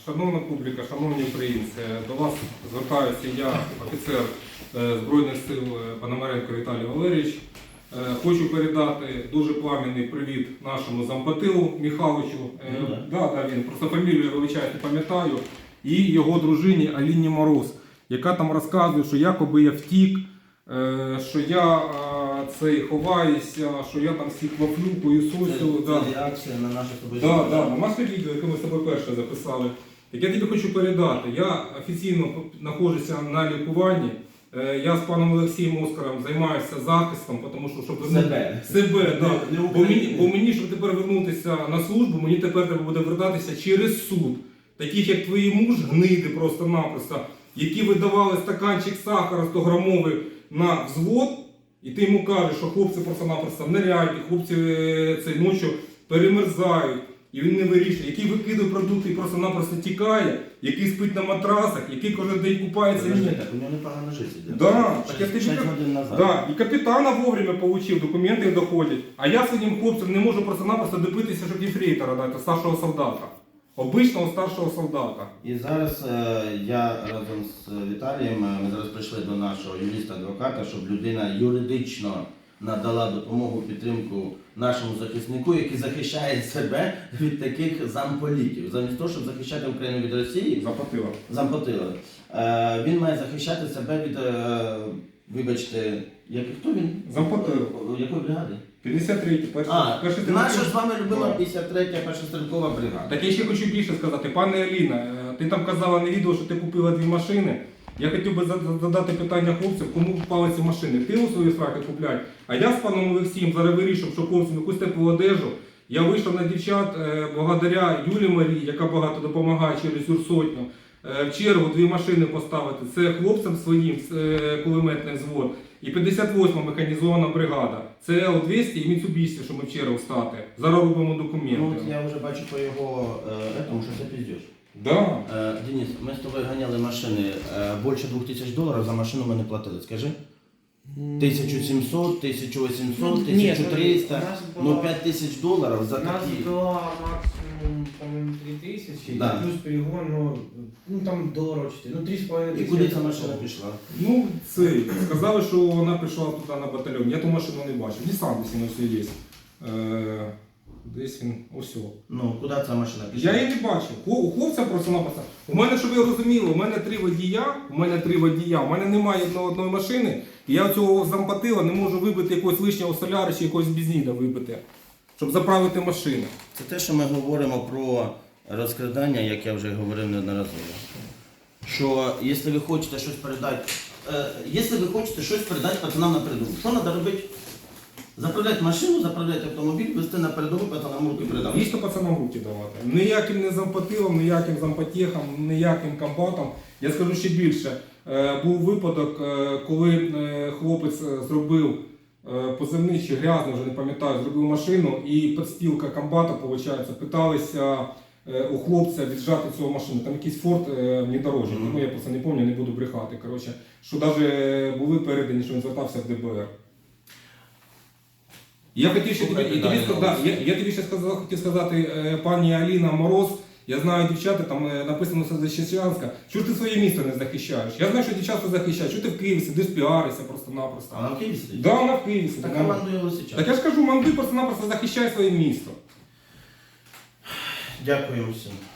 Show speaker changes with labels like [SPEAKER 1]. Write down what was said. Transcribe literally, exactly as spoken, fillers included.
[SPEAKER 1] Шановна публіка, шановні українці, до вас звертаюся я, офіцер Збройних сил Пономаренко Віталій Валерійович. Хочу передати дуже пламенний привіт нашому зампотилу Михайловичу.
[SPEAKER 2] Ну, да.
[SPEAKER 1] Да, да, він просто фамілію, вибачайте, не пам'ятаю. І його дружині Аліні Мороз, яка там розказує, що якоби я втік, що я цей ховаюся, що я там всіх вафлю, поїсосю.
[SPEAKER 2] Це,
[SPEAKER 1] да.
[SPEAKER 2] це реакція на наше тобі.
[SPEAKER 1] Так, да, да. Наше відео, яке ми з тобою перше записали. Так я тобі хочу передати. Я офіційно знаходжуся на лікуванні. Я з паном Олексієм Оскаром займаюся захистом, тому що щоб
[SPEAKER 2] себе,
[SPEAKER 1] себе да.
[SPEAKER 2] не, не
[SPEAKER 1] бо, мені, бо мені, щоб тепер вернутися на службу, мені тепер треба буде вертатися через суд. Таких як твої муж, гниди просто-напросто, які видавали стаканчик сахара сто грамовий на взвод, і ти йому кажеш, що хлопці просто-напросто неряють, хлопці цей ночі перемерзають. І він не вирішує, який викидує продукти і просто-напросто тікає, який спить на матрасах, який кожен день купається.
[SPEAKER 2] Подожди, так у нього непогано життя.
[SPEAKER 1] Да, так я тобі
[SPEAKER 2] годин назад.
[SPEAKER 1] Да, і капітана вовремя отримав, документи доходять. А я своїм хлопцям не можу просто-напросто добитися, щоб єфрейтора дати, старшого солдата. Обичного старшого солдата.
[SPEAKER 2] І зараз е, я разом з Віталієм, е, ми зараз прийшли до нашого юриста-адвоката, щоб людина юридично надала допомогу, підтримку нашому захиснику, який захищає себе від таких замполітів. Замість того, щоб захищати Україну від Росії,
[SPEAKER 1] Запотила.
[SPEAKER 2] зампотили. Е, він має захищати себе від, е, вибачте, як, хто він?
[SPEAKER 1] Зампотили.
[SPEAKER 2] Якої бригади?
[SPEAKER 1] п'ятдесят третя, перша.
[SPEAKER 2] А,
[SPEAKER 1] перша
[SPEAKER 2] наша з вами любима
[SPEAKER 1] Да.
[SPEAKER 2] п'ятдесят третя перша стрілкова бригада.
[SPEAKER 1] Так я ще хочу більше сказати. Пане Аліна, ти там казала на відео, що ти купила дві машини. Я хотів би задати питання хлопцям, кому впали ці машини. Ти у свої сраки купляй. А я з паном Олексієм зараз вирішив, що хлопцям якусь теплу одежу. Я вийшов на дівчат благодаря Юлі Марії, яка багато допомагає через Юрсотню. В чергу дві машини поставити. Це хлопцям своїм кулеметний взвод. І п'ятдесят восьма механізована бригада. Це Ел двісті і Mitsubishi, що ми в чергу стати. Зараз робимо документи.
[SPEAKER 2] Ну, от я вже бачу по його е, этому, що це піздєш.
[SPEAKER 1] Да.
[SPEAKER 2] Е, Денис, ми з тобою ганяли машини е, більше двох тисяч доларів, за машину ми не платили, скажи? тисяча сімсот, тисяча вісімсот, тисяча триста, ну п'ять тисяч доларів за
[SPEAKER 3] У нас
[SPEAKER 2] такі.
[SPEAKER 3] была максимум, по-моему, три тысячи,
[SPEAKER 2] Да.
[SPEAKER 3] плюс перегон, ну, ну там долларов четыре, ну три с половиной
[SPEAKER 2] І
[SPEAKER 3] тысячи.
[SPEAKER 2] куди ця машина пішла?
[SPEAKER 1] Ну, це, сказали, що вона прийшла туди на батальйон. Я ту машину не бачив. Нісан десь він ось є. Е, десь він ось.
[SPEAKER 2] Ну, куди ця машина пішла?
[SPEAKER 1] Я її не бачив. Хло- У хлопця просто-напросто. У мене, щоб ви розуміли, у мене три водія, у мене три водія, у мене немає одної, одної машини, і я цього зампотила не можу вибити якогось лишнього соляра чи якогось бензина вибити, щоб заправити машину.
[SPEAKER 2] Це те, що ми говоримо про розкрадання, як я вже говорив неодноразово. Що якщо ви хочете щось передати, е, якщо ви хочете щось передати пацанам на передову, що треба робити? Заправляти машину, заправляти автомобіль, вести на передову, пацанам руки передати.
[SPEAKER 1] Дійсно пацанам руки давати. Ніяким не зампотилом, ніяким зампотєхам, ніяким комбатом. Я скажу ще більше. Е, Був випадок, е, коли е, хлопець е, зробив е, позивний чи грязний, вже не пам'ятаю, зробив машину і підстілка комбата, виходить, питалися е, у хлопця віджати цю машину. Там якийсь форт е, внедорожник,
[SPEAKER 2] Мгм.
[SPEAKER 1] ну я просто не пам'ятаю, не буду брехати. Коротше, що навіть були передані, що він звертався в Де Бе Ер. Я хотів ще тобі, і тобі сказати, я, я тобі ще сказав, хотів сказати, е, пані Аліна Мороз, я знаю дівчата, там е, написано все Защечанська, чого ж ти своє місто не захищаєш? Я знаю, що дівчата захищають, чого ти в Києві сидиш, піаришся просто-напросто.
[SPEAKER 2] А вона в Києві сидить?
[SPEAKER 1] Да, вона в Києві сидить.
[SPEAKER 2] Так
[SPEAKER 1] Вона-
[SPEAKER 2] командує Лисичак.
[SPEAKER 1] Так я ж кажу, манди просто-напросто захищай своє місто.
[SPEAKER 2] Дякую всім.